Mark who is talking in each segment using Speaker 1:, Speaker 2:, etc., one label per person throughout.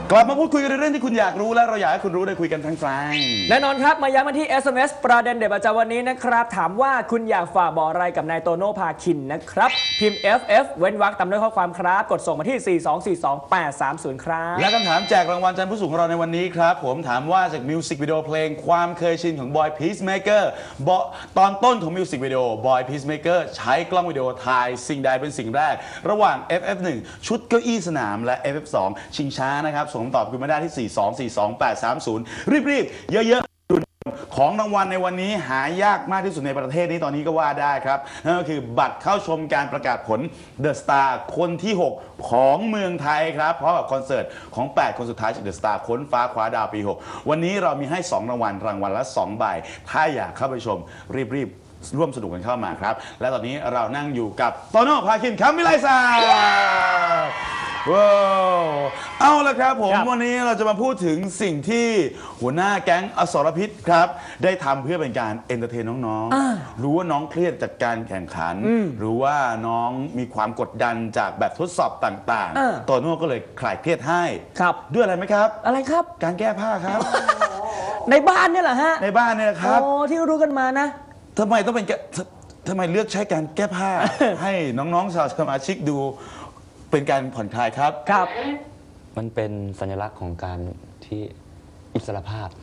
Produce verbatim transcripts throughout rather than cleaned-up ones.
Speaker 1: กลับมาพูดคุยกันในเรื่องที่คุณอยากรู้และเราอยากให้คุณรู้ได้คุยกันทั้งแฟง
Speaker 2: แน่นอนครับมาย้ำมาที่ เอส เอ็ม เอส ประเด็นเด็ดประจำวันนี้นะครับถามว่าคุณอยากฝากบอกอะไรกับนายโตโน่พาคินนะครับพิมพ์ เอฟ เอฟ เว้นวรรคตามด้วยข้อความครับกดส่งมาที่ สี่ สอง สี่ สอง แปด สาม ศูนย์ ครับ
Speaker 1: และคำถามแจกรางวัลจันทร์ผู้สูงของเราในวันนี้ครับผมถามว่าจากมิวสิกวิดีโอเพลงความเคยชินของ Boy Peacemaker ตอนต้นของมิวสิกวิดีโอ Boy Peacemaker ใช้กล้องวิดีโอถ่ายสิ่งใดเป็นสิ่งแรกระหว่าง เอฟ เอฟ หนึ่ง ชุดเก้าอี้สนามและ เอฟ เอฟ สอง ชิงช้านะครับส่งคำตอบคุณมาได้ที่ สี่ สอง สี่ สอง แปด สาม ศูนย์ รีบๆเยอะๆของรางวัลในวันนี้หายากมากที่สุดในประเทศนี้ตอนนี้ก็ว่าได้ครับนั่นก็คือบัตรเข้าชมการประกาศผล The Star คนที่หกของเมืองไทยครับเพราะกับคอนเสิร์ตของแปดคนสุดท้ายจาก The Star ค้นฟ้าคว้าดาวปีหกวันนี้เรามีให้สองรางวัลรางวัลละสองใบถ้าอยากเข้าไปชมรีบๆร่วมสนุกกันเข้ามาครับและตอนนี้เรานั่งอยู่กับโตโน่พาคินคำวิไลศักดิ์ว้าวเอาละครับผมวันนี้เราจะมาพูดถึงสิ่งที่หัวหน้าแก๊งอสรพิษครับได้ทำเพื่อเป็นการเอนเตอร์เทนน้องๆรู้ว่าน้องเครียดจากการแข่งขันหรือว่าน้องมีความกดดันจากแบบทดสอบต่างๆโตโน่ก็เลยคลายเครียดให้ด้วยอะไรไหมครับ
Speaker 2: อะไรครับ
Speaker 1: การแก้ผ้าครับ
Speaker 2: ในบ้านเนี่ยเหรอฮะ
Speaker 1: ในบ้านเนี่ยครับ
Speaker 2: โอ้ที่รู้กันมานะ
Speaker 1: ทำไมต้องเป็นทำไมเลือกใช้การแก้ผ้า ให้น้องๆชาวสมาชิกดูเป็นการผ่อนคลายครับ
Speaker 2: ครับ
Speaker 3: มันเป็นสัญลักษณ์ของการที่อิสรภาพ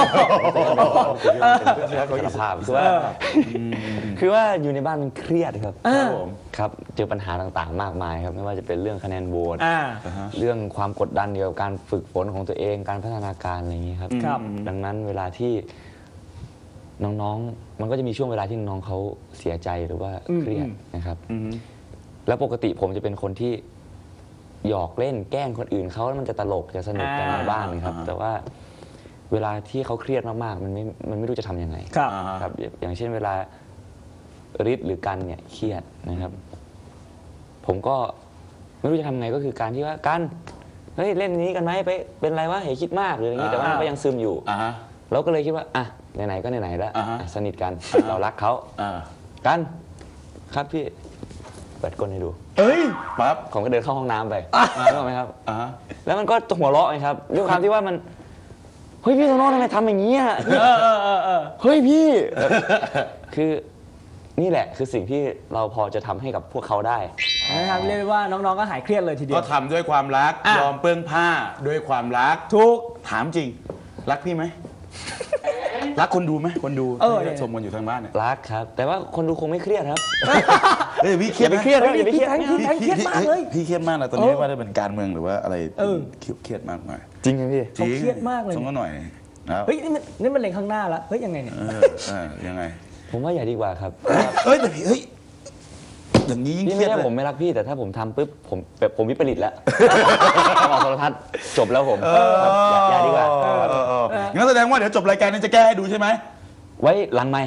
Speaker 3: อิสรภาพคือว่าคือว่าอยู่ในบ้านมันเครียดครับครับเจอปัญหาต่างๆมากมายครับไม่ว่าจะเป็นเรื่องคะแนนโหวตเรื่องความกดดันเกี่ยวกับการฝึกฝนของตัวเองการพัฒนาการอะไรอย่างนี้ครับดังนั้นเวลาที่น้องๆมันก็จะมีช่วงเวลาที่น้องเขาเสียใจหรือว่าเครียดนะครับแล้วปกติผมจะเป็นคนที่หยอกเล่นแกล้งคนอื่นเขาแล้วมันจะตลกจะสนุกกันในบ้านครับแต่ว่าเวลาที่เขาเครียดมากๆมันไม่มันไม่รู้จะทำยังไงครับอย่างเช่นเวลาฤทธิ์หรือกันเนี่ยเครียดนะครับผมก็ไม่รู้จะทำไงก็คือการที่ว่ากันเฮ้ยเล่นนี้กันไหมไปเป็นไรวะเฮ้ยคิดมากหรืออย่างนี้แต่ว่าก็ยังซึมอยู่เราก็เลยคิดว่าอ่ะไหนๆก็ไหนๆแล้วสนิทกันเรารักเขากันครับพี่เปิดก้นให้ดู
Speaker 1: เอ้ยปั๊บ
Speaker 3: ผมก็เดินเข้าห้องน้ำไปรู้ไหมครับแล้วมันก็หัวเราะไงครับด้วยความที่ว่ามันเฮ้ยพี่โตโน่ทำไมทำอย่างนี้อ่ะเฮ้ยพี่คือนี่แหละคือสิ่งที่เราพอจะทำให้กับพวกเขาได้
Speaker 2: นะครับเรียกว่าน้องๆก็หายเครียดเลยทีเดียว
Speaker 1: ก็ทำด้วยความรักยอมเปลื้องผ้าด้วยความรัก
Speaker 2: ถูก
Speaker 1: ถามจริงรักพี่ไหมรักคนดูไหมคนดูที่ชมกันอยู่ทางบ้านเนี่ย
Speaker 3: รักครับแต่ว่าคนดูคงไม่เครียดครับ
Speaker 1: เฮ้ยพี่เครียด
Speaker 2: ไม่เครียดอย่าไปเครียดพี่เครียดมากเลย
Speaker 1: พี่เครียดมากเลยตอนนี้ว่าได้เป็นการเมืองหรือว่าอะไรเครียดมากหน่อย
Speaker 3: จริงไหมพี่
Speaker 2: เขาเครียดมากเลย
Speaker 1: สมมติหน่อย
Speaker 2: เฮ้ยนี่มันนี่มันเล็งข้างหน้าแล้วเฮ้ยยังไงเนี่ย
Speaker 1: ยังไง
Speaker 3: ผมว่าอย่าดีกว่าครับ
Speaker 1: เฮ้ยแต่พี่เฮ้ยอย่างนี้ยิ่งเครียด
Speaker 3: ผมไม่รักพี่แต่ถ้าผมทำปุ๊บผมแบบผมวิปริตแล้วออกโทรทัศน์จบแล้วผมอย่าดีกว่า
Speaker 1: งั้นแสดงว่าเดี๋ยวจบรายการนี้จะแก้ให้ดูใช่ไหม
Speaker 3: ไว้หลังไมค์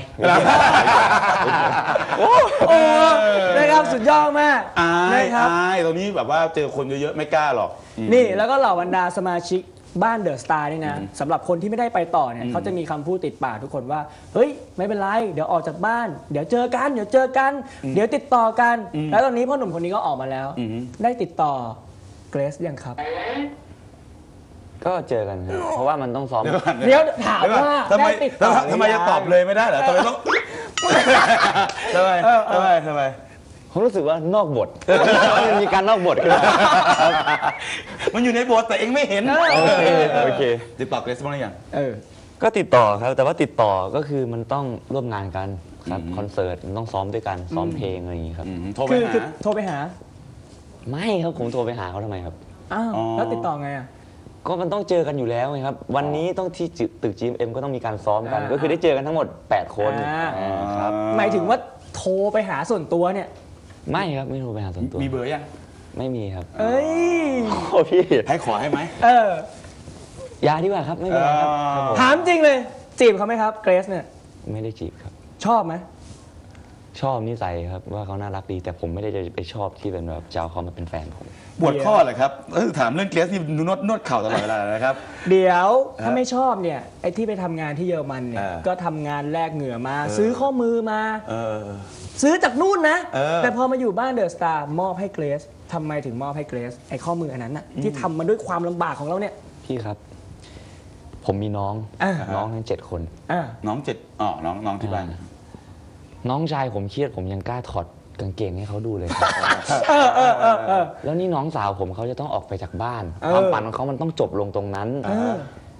Speaker 2: โอ้นะครับสุดยอดมาก
Speaker 1: นะครับตรงนี้แบบว่าเจอคนเยอะๆไม่กล้าหรอก
Speaker 2: นี่แล้วก็เหล่าบรรดาสมาชิกบ้านเดอะสตาร์นี่นะสำหรับคนที่ไม่ได้ไปต่อเนี่ยเขาจะมีคำพูดติดปากทุกคนว่าเฮ้ยไม่เป็นไรเดี๋ยวออกจากบ้านเดี๋ยวเจอกันเดี๋ยวเจอกันเดี๋ยวติดต่อกันแล้วตอนนี้พ่อหนุ่มคนนี้ก็ออกมาแล้วได้ติดต่อเกรซยังครับ
Speaker 3: ก็เจอกันครับเพราะว่ามันต้องซ้อม
Speaker 2: เดี๋ยวถามว่า
Speaker 1: ทำไมทำไมจะตอบเลยไม่ได้เหรอทำไมต้องทำไมทำไมทำไม
Speaker 3: ผมรู้สึกว่านอกบทมันมีการนอกบทขึ้น
Speaker 1: มันอยู่ในบทแต่เองไม่เห็น
Speaker 3: โอเคโอเค
Speaker 1: ติดต่อเกรซบ้างหรือยัง
Speaker 2: เออ
Speaker 3: ก็ติดต่อครับแต่ว่าติดต่อก็คือมันต้องร่วมงานกันครับคอนเสิร์ตมันต้องซ้อมด้วยกันซ้อมเพลงอะไรอย่างนี้ครับ
Speaker 1: โทรไปหา
Speaker 2: โทรไปหา
Speaker 3: ไม่ครับผมโทรไปหาเขาทำไมครับ
Speaker 2: อ้าวแล้วติดต่อไงอ่ะ
Speaker 3: ก็มันต้องเจอกันอยู่แล้วไงครับวันนี้ต้องที่ตึก จี เอ็ม ก็ต้องมีการซ้อมกันก็คือได้เจอกันทั้งหมดแปดคน
Speaker 2: ครับหมายถึงว่าโทรไปหาส่วนตัวเนี่ย
Speaker 3: ไม่ครับไม่โทรไปหาส่วนตัว
Speaker 1: มีเบอร์ยัง
Speaker 3: ไม่มีครับ
Speaker 2: เอ้ย
Speaker 3: โอ้พี่
Speaker 1: ให้ขอให้ไหม
Speaker 2: เอ
Speaker 3: อยาดีกว่าครับไม่เป็นไรครับ
Speaker 2: ถามจริงเลยจีบเขาไหมครับเกรซเนี่ย
Speaker 3: ไม่ได้จีบครับ
Speaker 2: ชอบไหม
Speaker 3: ชอบนิสัยครับว่าเขาน่ารักดีแต่ผมไม่ได้จะไปชอบที่เป็นแบบเจ้าเขามาเป็นแฟนผม
Speaker 1: ปวดข้อเหรอครับถามเรื่องเกรซที่นวดนวดเข่าตลอดเวลานะครับ
Speaker 2: เดี๋ยวถ้าไม่ชอบเนี่ยไอ้ที่ไปทำงานที่เยอรมันเนี่ยก็ทำงานแลกเหงื่อมาซื้อข้อมือมาซื้อจากนู่นนะ
Speaker 1: เออ
Speaker 2: แต่พอมาอยู่บ้านเดอะสตาร์มอบให้เกรซทำไมถึงมอบให้เกรซไอ้ข้อมืออันนั้นน่ะที่ทำมาด้วยความลำบากของเราเนี่ย
Speaker 3: พี่ครับ ผมมีน้อง
Speaker 2: อ่า
Speaker 3: น้องทั้งเจ็ดคน
Speaker 2: อ่า
Speaker 1: น้องเจ็ดอ๋อน้องน้องที่บ้าน
Speaker 3: น้องชายผมเครียดผมยังกล้าถอดกางเกงให้เขาดูเลยครับ
Speaker 2: เออเออเออเออ
Speaker 3: แล้วนี่น้องสาวผมเขาจะต้องออกไปจากบ้าน
Speaker 2: เออ
Speaker 3: ความฝันของเขามันต้องจบลงตรงนั้น
Speaker 2: เออ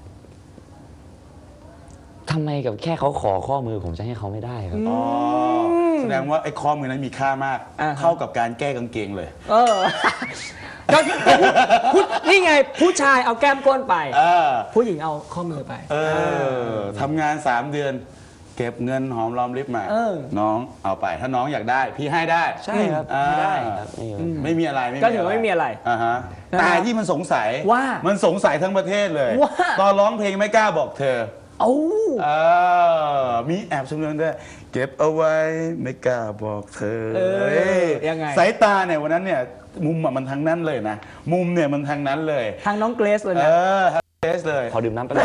Speaker 3: ทำไมกับแค่เขาขอข้อมือผมจะให้เขาไม่ได้ครับ
Speaker 1: อ๋อแสดงว่าไอ้ข้อมือนั้นมีค่ามาก
Speaker 2: อ่าฮะ
Speaker 1: เท่ากับการแก้กางเกงเลย
Speaker 2: เออก็ผู้นี่ไงผู้ชายเอาแก้มก้นไป
Speaker 1: เออ
Speaker 2: ผู้หญิงเอาข้อมือไป
Speaker 1: เออทำงานสามเดือน เก็บเงินหอมรอมริบมา
Speaker 2: เออ
Speaker 1: น้องเอาไปถ้าน้องอยากได้ พี่ให้ได้
Speaker 3: ใช่ครับ
Speaker 1: อ่า
Speaker 3: ไม่ได้ครับไม่มี
Speaker 1: ไม่มีอะไร
Speaker 2: ก็ถือว่าไม่มีอะไร
Speaker 1: อ่าฮะ
Speaker 2: นะฮะ
Speaker 1: แต่ที่มันสงสัย
Speaker 2: ว่า
Speaker 1: มันสงสัยทั้งประเทศเลย
Speaker 2: ว่า
Speaker 1: ตอนร้องเพลงไม่กล้าบอกเธอ
Speaker 2: เอ้า
Speaker 1: เออมีแอบชมเรื่องด้วยเก็บเอาไว้ไม่กล้าบอกเธอ
Speaker 2: เออ
Speaker 1: เอ้ย
Speaker 2: ยังไง
Speaker 1: สายตาเนี่ยวันนั้นเนี่ยมุมอะมันทางนั้นเลยนะ มุมเนี่ยมันทางนั้นเลย
Speaker 2: ทางน้องเกรซเลย
Speaker 1: เอ
Speaker 2: นะ
Speaker 1: อทางเทสเลย
Speaker 3: ขอดื่มน้ำไปเลย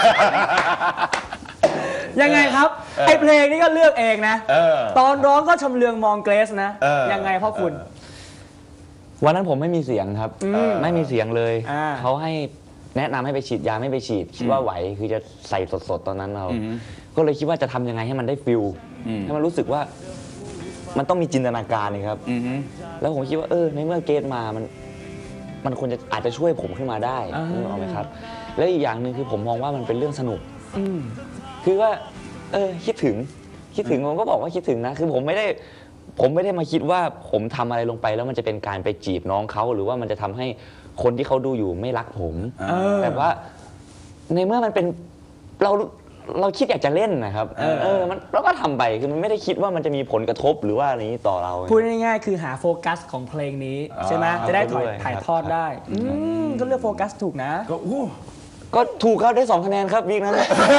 Speaker 2: ยังไงครับ
Speaker 1: เออ
Speaker 2: ไอเพลงนี้ก็เลือกเองนะ
Speaker 1: เออ
Speaker 2: ตอนร้องก็ชำเลืองมองเกรซนะ
Speaker 1: เออ
Speaker 2: ยังไงพ่อคุณ
Speaker 3: วันนั้นผมไม่มีเสียงครับ
Speaker 2: อืม
Speaker 3: ไม่มีเสียงเลย
Speaker 2: อ่า
Speaker 3: เขาให้แนะนำให้ไปฉีดยาไม่ไปฉีดคิดว่าไหวคือจะใส่สดๆตอนนั้นเรา
Speaker 1: อืม
Speaker 3: ก็เลยคิดว่าจะทำยังไงให้มันได้ฟิล
Speaker 1: อืม
Speaker 3: ให้มันรู้สึกว่ามันต้องมีจินตนาการนี่ครับ
Speaker 1: อือฮึ
Speaker 3: แล้วผมคิดว่าเออในเมื่อเกตมามัน มันควรจะอาจจะช่วยผมขึ้นมาได้
Speaker 2: อ่า
Speaker 3: นึกออกไหมครับ และอีกอย่างหนึ่งคือผมมองว่ามันเป็นเรื่องสนุก
Speaker 2: อืม
Speaker 3: คือว่า เออคิดถึงคิดถึงผมก็บอกว่าคิดถึงนะ คือผมไม่ได้ ผมไม่ได้มาคิดว่าผมทำอะไรลงไปแล้วมันจะเป็นการไปจีบน้องเขาหรือว่ามันจะทำให้คนที่เขาดูอยู่ไม่รักผม
Speaker 2: เออ
Speaker 3: แต่ว่าในเมื่อมันเป็นเราเราคิดอยากจะเล่นนะครับ
Speaker 2: เออ
Speaker 3: เออมันเราก็ทำไปคือมันไม่ได้คิดว่ามันจะมีผลกระทบหรือว่าอะไรนี้ต่อเรา
Speaker 2: พูดง่ายๆคือหาโฟกัสของเพลงนี้ ใช่ไหม
Speaker 1: อ่า
Speaker 2: จะได้ถ่าย
Speaker 3: ด้วย
Speaker 2: ถ่าย
Speaker 3: ครับ
Speaker 2: ทอดได้ อืมก็เลือกโฟกัสถูกนะ
Speaker 1: ก็อู้
Speaker 3: ก็ถูกครับได้สองคะแนนครับวีคนั้น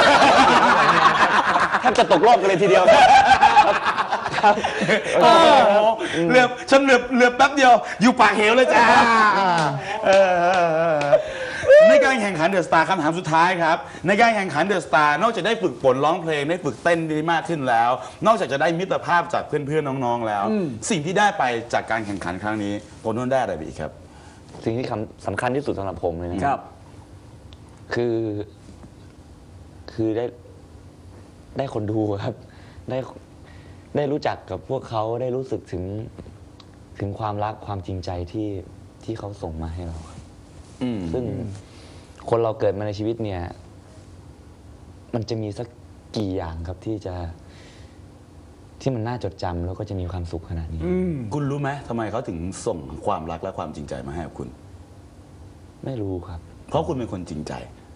Speaker 3: แทบจะตกรอบกันเลยทีเดียวครับ
Speaker 1: โอ้โหเหลือบฉันเหลือบเหลือบแป๊บเดียว อยู่ปากเหวเลยจ้าเออในการแข่งขันเดอะสตาร์คำถามสุดท้ายครับ ในการแข่งขันเดอะสตาร์นอกจากได้ฝึกฝนร้องเพลงได้ฝึกเต้นได้มากขึ้นแล้ว นอกจากจะได้มิตรภาพจากเพื่อนๆน้องๆแล้ว สิ่งที่ได้ไปจากการแข่งขันครั้งนี้โตโน่ได้อะไรไปอีกครับ
Speaker 3: สิ่งที่คำสำคัญที่สุดสำหรับผมเลยนะครับ คือ คือได้ได้คนดูครับ ได้ได้รู้จักกับพวกเขาได้รู้สึกถึงถึงความรักความจริงใจที่ที่เขาส่งมาให้เราครับ
Speaker 1: อืม
Speaker 3: ซึ่งคนเราเกิดมาในชีวิตเนี่ย มันจะมีสักกี่อย่างครับที่จะ ที่มันน่าจดจำแล้วก็จะมีความสุขขนาดนี้
Speaker 2: อืม
Speaker 1: คุณรู้ไหมทำไมเขาถึงส่งความรักและความจริงใจมาให้กับคุณ
Speaker 3: ไม่รู้ครับ
Speaker 1: เพราะคุณเป็นคนจริงใจ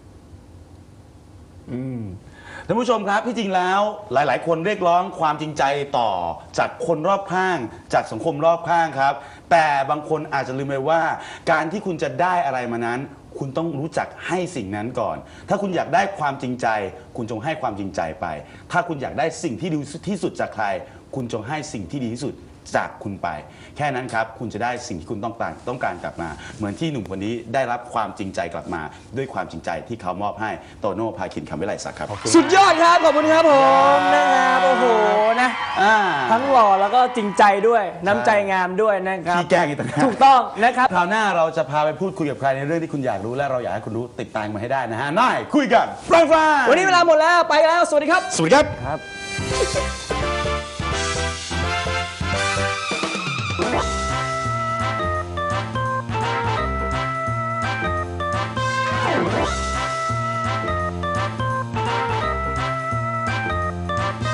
Speaker 1: อืมท่านผู้ชมครับที่จริงแล้วหลาย ๆ คนเรียกร้องความจริงใจต่อจากคนรอบข้าง จากสังคมรอบข้างครับ แต่บางคนอาจจะลืมไปว่า การที่คุณจะได้อะไรมานั้น คุณต้องรู้จักให้สิ่งนั้นก่อน ถ้าคุณอยากได้ความจริงใจ คุณจงให้ความจริงใจไป ถ้าคุณอยากได้สิ่งที่ดีที่สุดจากใคร คุณจงให้สิ่งที่ดีที่สุดจากคุณไป แค่นั้นครับคุณจะได้สิ่งที่คุณต้องการต้องการกลับมา เหมือนที่หนุ่มคนนี้ได้รับความจริงใจกลับมา ด้วยความจริงใจที่เขามอบให้โตโน่พาคินคำวิไลศักดิ์ครับ
Speaker 2: สุดยอดครับ ขอบคุณครับผมนะครับโอ้โหนะ
Speaker 1: อ่า
Speaker 2: ทั้งหล่อแล้วก็จริงใจด้วย น้ำใจงามด้วยนะครับ
Speaker 1: ขี้แกล้งอีกต่างหาก
Speaker 2: ถูกต้องนะครับ
Speaker 1: คราวหน้าเราจะพาไปพูดคุยกับใครในเรื่องที่คุณอยากรู้และเราอยากให้คุณรู้ติดตามมาให้ได้นะฮะน่ายคุยกันฟังฟัง
Speaker 2: วันนี้เวลาหมดแล้วไปแล้ว สวัสดีครับ
Speaker 1: สวัสดีครับ
Speaker 3: ครับ